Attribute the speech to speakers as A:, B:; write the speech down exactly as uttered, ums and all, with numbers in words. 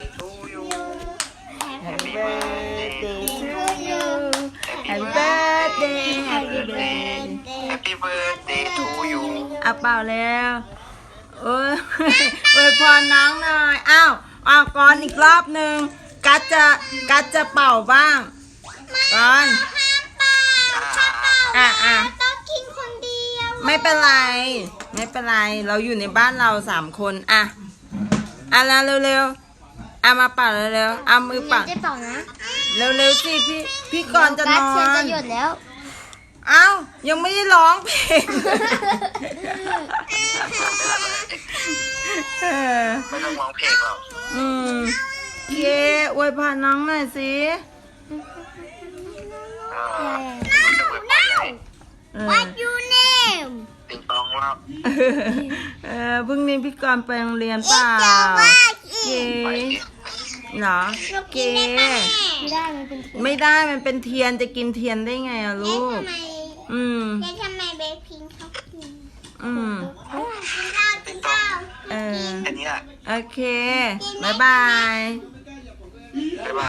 A: to you
B: Happy birthday to you Happy birthday Happy birthday
A: Happy birthday to you
B: เอาเป่าแล้วเอออวยพรน้องหน่อยอ้าวอ้าวก่อนอีกรอบหนึ่งกัดจะกัดจะเป่าบ้างก่อนอ่ะอ่ะ
C: ต้องกินคนเดียว
B: ไม่เป็นไร ไม่เป็นไร เราอยู่ในบ้านเราสามคนอ่ะอ่ะแล้วเร็วๆอ่ะมาเป่าเร็วๆเอามือเป่า
C: จะเป่านะ
B: เร็วๆสิพี่พี่ก่อนจะนอ
C: เทียนจะ
B: น
C: หยดแล้ว
B: เอ้ายังไม่ได้ร้องเพลงเออ
A: ไม่ต้องร้องเพลงหรอก
B: อืมเย้อวยพรน้องหน่อยสิ
A: เออจะอวยพรไง
B: เออ
C: What you name
A: ติงตองว่า
B: เออพรุ่งนี้พี่กรณ์ไปโรงเรียนเปล่าเก๋
A: ไป
B: เหรอเก๋
C: ไม่ได้มันเป็น
B: ไม่ได้มันเป็นเทียนจะกินเทียนได้ไงอะลูก
C: ทำไม
B: อืม
C: แล้วทำไมเบคพิงเขากิน
B: อืม
C: กินข้าวกินข้าว
B: เออ
A: แค่นี้แหละ
B: โอเค บ๊ายบาย
A: บ๊ายบาย